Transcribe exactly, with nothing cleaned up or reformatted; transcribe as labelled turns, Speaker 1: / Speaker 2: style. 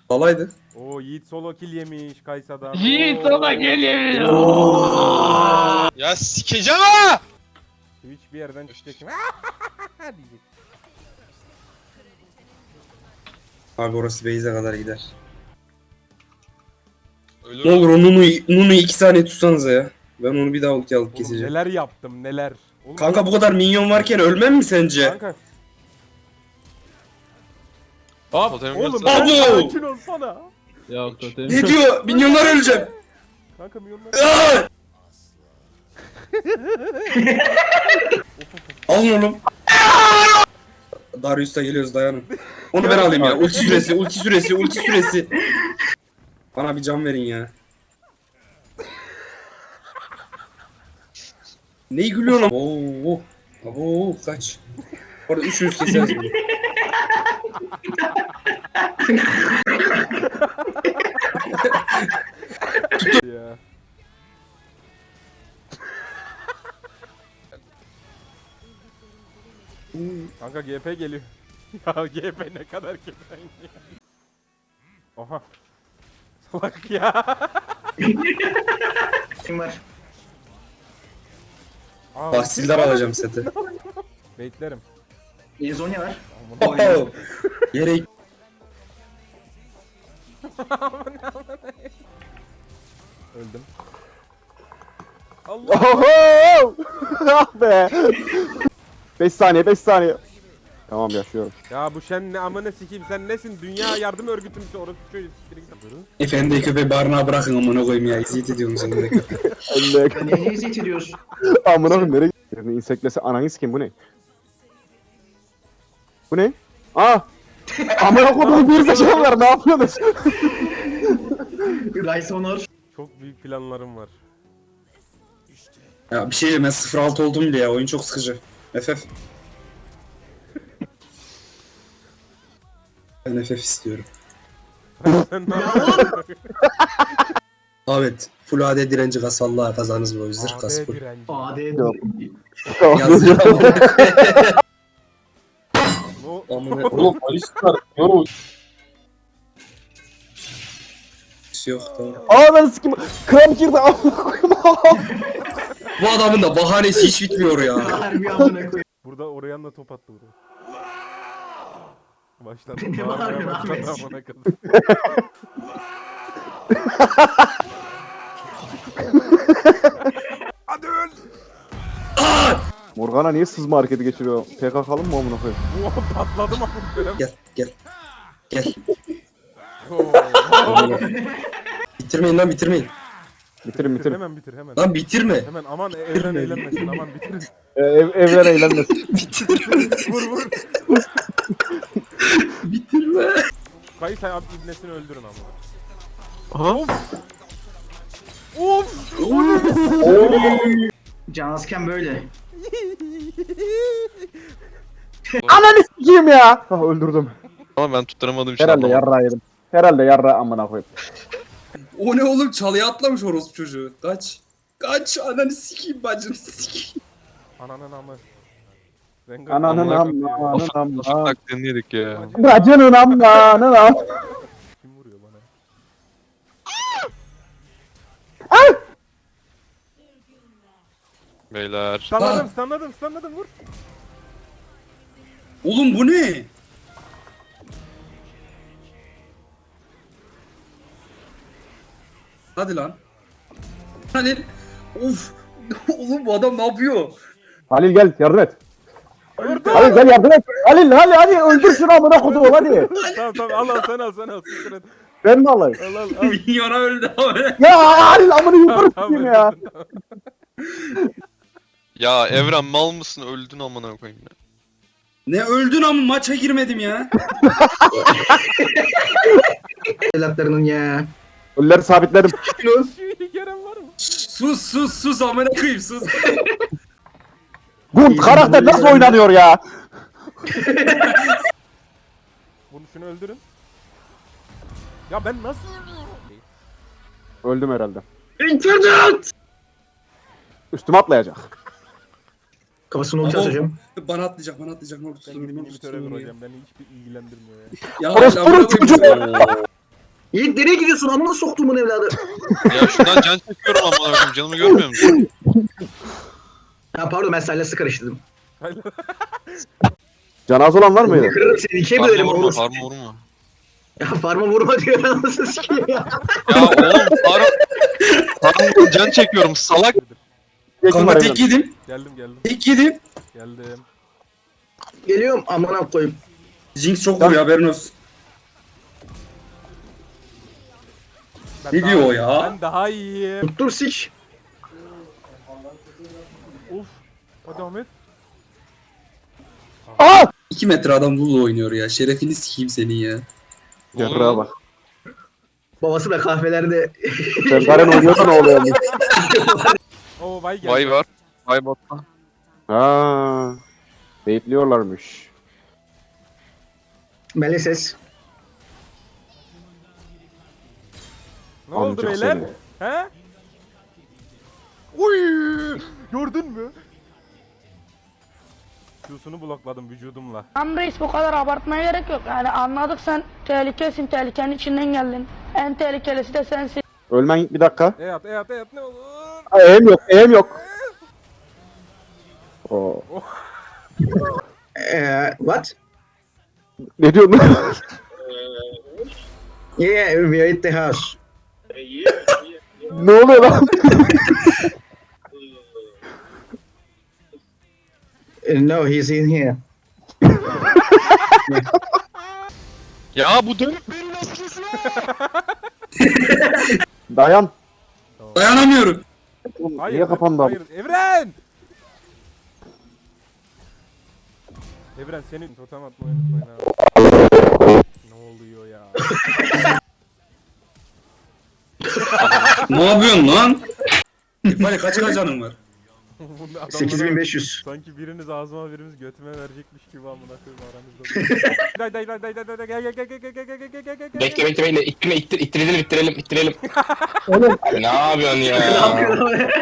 Speaker 1: Alaydı.
Speaker 2: Oo Yiğit solo kill yemiş Kaysa'dan.
Speaker 3: Yiğit solo kill yemiş.
Speaker 4: Ya sikeceğim ha!
Speaker 2: Twitch bir yerden çıkacak şimdi. diyecek.
Speaker 1: Abi orası base'e kadar gider.
Speaker 4: Ölür.
Speaker 1: Ne olur o Nunu'yu Nunu'yu iki saniye tutsanıza ya. Ben onu bir daha ulti alıp
Speaker 2: Oğlum
Speaker 1: keseceğim.
Speaker 2: neler yaptım neler. Oğlum,
Speaker 1: Kanka bu kadar minyon varken ölmem mi sence?
Speaker 2: Kanka.
Speaker 4: Hop. Totem
Speaker 2: Oğlum
Speaker 4: göster.
Speaker 2: ben
Speaker 1: Abo!
Speaker 2: sakin olsana.
Speaker 3: Ya totem.
Speaker 1: Ne diyor? Minyonlar öleceğim.
Speaker 2: Kanka milyonlar.
Speaker 1: Aa! Alın oğlum. Darius'ta geliyoruz dayanın. Onu ben alayım ya. Ulti süresi, ulti süresi, ulti süresi. Bana bir can verin ya. Neyi gülüyorsun? Oo, oo, kaç. Orada üçünüz keseriz bunu.
Speaker 2: ya. Kanka G P geliyor. Ya G P ne kadar kefen ya. Oha. Salak ya.
Speaker 5: Kim var?
Speaker 2: Aa,
Speaker 1: Tahsildar alacağım seti.
Speaker 2: Beklerim.
Speaker 5: Lizonya var.
Speaker 1: Oh, yere
Speaker 2: Öldüm. Allah.
Speaker 6: Oho! Ah be! beş saniye, beş saniye. Tamam yaşıyorum.
Speaker 2: Ya bu şen ne amına sikeyim sen nesin? Dünya Yardım Örgütü müsün? Orası şöyle siktirin.
Speaker 1: efendi köpeği barınağa bırakın amına koyayım ya. İziyet ediyorum seni de köpeği.
Speaker 6: Elle
Speaker 5: Neye eziyet ediyorsun?
Speaker 6: amına koyayım nereye gidiyorsun? İnseklese ananı sikeyim bu ne? Bu ne? Aa! Amına koyduğum bir zekalılar ne yapıyorsunuz?
Speaker 5: Rice Honor.
Speaker 2: Çok büyük planlarım var.
Speaker 1: Ya bir şey diyeyim ben sıfır altı oldum bile ya. Oyun çok sıkıcı. F F. Ben F F istiyorum.
Speaker 2: Sen ne yapıyorsun?
Speaker 1: Evet. Full A D direnci kas vallahi kazanırız bu yüzden
Speaker 2: A
Speaker 1: kas
Speaker 2: D
Speaker 1: full.
Speaker 2: direnci.
Speaker 5: A D.
Speaker 6: Yok.
Speaker 1: Yazık amına koyayım.
Speaker 2: No.
Speaker 1: Amına
Speaker 3: Oğlum Alistar. Yo.
Speaker 1: yok tamam.
Speaker 6: Aa ben sikeyim. Kramp girdi amına koyayım.
Speaker 1: Bu adamın da bahanesi hiç bitmiyor ya.
Speaker 5: Harbi amına koyayım.
Speaker 2: Burada oraya da top attı buraya. Başladı.
Speaker 5: Ne
Speaker 2: Bağırmaya
Speaker 5: bağırıyorsun
Speaker 2: başladı
Speaker 5: Ahmet?
Speaker 2: amına kadar. Hadi öl.
Speaker 6: Morgana niye sızma hareketi geçiriyor? P K K'lı mı amına koyayım?
Speaker 2: Oha patladım amına.
Speaker 1: Gel gel. Gel.
Speaker 2: Oo.
Speaker 1: Bitirmeyin lan bitirmeyin.
Speaker 6: Bitirin bitirin.
Speaker 2: Hemen bitir hemen.
Speaker 1: Lan bitirme.
Speaker 2: Hemen aman evren eğlenmesin aman bitirin.
Speaker 6: Ee, ev, evren eğlenmesin.
Speaker 2: Vur vur.
Speaker 1: Bitirme.
Speaker 2: Kayısa abi ibnesini öldürün amına.
Speaker 4: Aha.
Speaker 2: Of.
Speaker 5: Can Asken böyle.
Speaker 6: Ananı sikeyim ya! Ah öldürdüm.
Speaker 4: Ama ben tutturamadığım için
Speaker 6: Herhalde
Speaker 4: anlamadım.
Speaker 6: yarra yedim. Herhalde yarra amına koyayım.
Speaker 1: O ne oğlum çalıya atlamış orospu çocuğu. Kaç. Kaç ananı sikeyim bacını sikeyim.
Speaker 2: Ananın amı. Rengar
Speaker 6: Ananın
Speaker 2: amına
Speaker 6: amı,
Speaker 2: koyayım.
Speaker 6: ananın amı.
Speaker 4: Nasıl taklidini yedik ya.
Speaker 6: Bacının amı, ananın amı.
Speaker 2: Kim vuruyor bana?
Speaker 4: Beyler.
Speaker 2: Stunladım stunladım stunladım vur.
Speaker 1: Oğlum bu ne? Hadi lan. Halil. Of. Oğlum bu adam ne yapıyor?
Speaker 6: Halil gel yardım et. Halil gel yardım et. Halil Halil hadi öldür şunu amına koduğum hadi.
Speaker 2: Tamam tamam al al sen al sen al. Siktir et.
Speaker 6: Ben mi alayım?
Speaker 2: Al al al.
Speaker 1: Minyona öldü abi.
Speaker 6: Ya Halil amını yukarı
Speaker 2: Tamam,
Speaker 6: sikeyim ya.
Speaker 2: öldürdün, tamam.
Speaker 4: Ya Evren mal mısın öldün amına koyayım ya.
Speaker 1: Ne öldün ama maça girmedim ya.
Speaker 5: Evlatlarının ya.
Speaker 6: Ölüleri sabitledim.
Speaker 2: Şu iyi gelen var mı?
Speaker 1: Sus sus sus amına koyayım sus.
Speaker 6: Bu karakter nasıl oynanıyor ya?
Speaker 2: Bunu şunu öldürün. Ya ben nasıl
Speaker 6: Öldüm herhalde.
Speaker 5: İnternet!
Speaker 6: Üstüme atlayacak.
Speaker 5: Kafasını ulti atacağım.
Speaker 1: Bana atlayacak bana atlayacak ne olur
Speaker 2: Ben
Speaker 1: tutun beni
Speaker 2: inhibitöre
Speaker 1: tutun beni.
Speaker 2: vuracağım beni hiçbir ilgilendirmiyor ya.
Speaker 1: Ya
Speaker 6: Orospu
Speaker 1: amına koyayım.
Speaker 6: çocuğu.
Speaker 5: Yiğit nereye gidiyorsun? Amına soktuğumun evladı.
Speaker 4: Ya şundan can çekiyorum amına koyayım. Canımı görmüyor musun?
Speaker 5: Ha pardon ben Silas'ı karıştırdım.
Speaker 6: Canaz olan var mıydı?
Speaker 5: Kırarım seni ikiye bölerim
Speaker 4: Farma vurma,
Speaker 5: oğlum.
Speaker 4: farma vurma.
Speaker 5: Ya farma vurma diyor anasını sikeyim ya.
Speaker 4: Ya oğlum farm... Farm can çekiyorum salak.
Speaker 6: Geçin var
Speaker 1: Kanka
Speaker 6: Evren.
Speaker 1: tek yedim.
Speaker 2: Geldim geldim.
Speaker 1: Tek yedim.
Speaker 2: Geldim.
Speaker 5: Geliyorum amına koyayım.
Speaker 1: Jinx çok vuruyor haberin olsun.
Speaker 2: Ben
Speaker 1: Ne
Speaker 2: daha-
Speaker 1: diyor o ya?
Speaker 2: Ben daha iyiyim.
Speaker 5: Dur sik.
Speaker 2: Uf. Hadi Ahmet.
Speaker 6: Aa!
Speaker 1: iki metre adam Lulu oynuyor ya. Şerefini sikeyim senin ya.
Speaker 6: Yarrağa bak.
Speaker 5: Babası da kahvelerde.
Speaker 6: Sen Garen oynuyorsa ne oluyor?
Speaker 2: Oo vay geldi.
Speaker 4: Vay var. Vay botta.
Speaker 6: Ha. Bekliyorlarmış.
Speaker 5: Meleses.
Speaker 2: Ne oldu
Speaker 6: Amcık
Speaker 2: beyler?
Speaker 6: seni.
Speaker 2: He? Uy! Gördün mü? Q'sunu blokladım vücudumla.
Speaker 7: Tamam reis bu kadar abartmaya gerek yok. Yani anladık sen tehlikesin, tehlikenin içinden geldin. En tehlikelisi de sensin.
Speaker 6: Ölmen bir dakika.
Speaker 2: E at, e at, e at ne olur.
Speaker 6: Aa, eğim yok, eğim yok. Oo.
Speaker 5: Eee what?
Speaker 6: Ne diyorsun?
Speaker 5: Yeah, we are at the house.
Speaker 6: Ne oluyor lan?
Speaker 5: Uh, no, he's in here.
Speaker 4: Ya bu dönüp beni nasıl kesiyor?
Speaker 6: Dayan.
Speaker 1: Dayanamıyorum.
Speaker 6: Oğlum,
Speaker 2: Hayır.
Speaker 6: Niye kapandı abi?
Speaker 2: Hayır. Evren! Evren senin totem atmayı unutmayın ha. Ne oluyor ya?
Speaker 1: Ne yapıyorsun lan? Var kaç kaç canım var?
Speaker 2: Bunu adamlara-
Speaker 5: sekiz bin beş yüz.
Speaker 2: Sanki biriniz ağzıma birimiz götüme verecekmiş gibi amına koyayım aranızda. Day day day day day day day gel gel gel gel gel gel gel gel gel gel gel.
Speaker 8: Bekle bekle bekle. İttirme ittir, ittirelim ittirelim ittirelim. Abi ne yapıyorsun ya?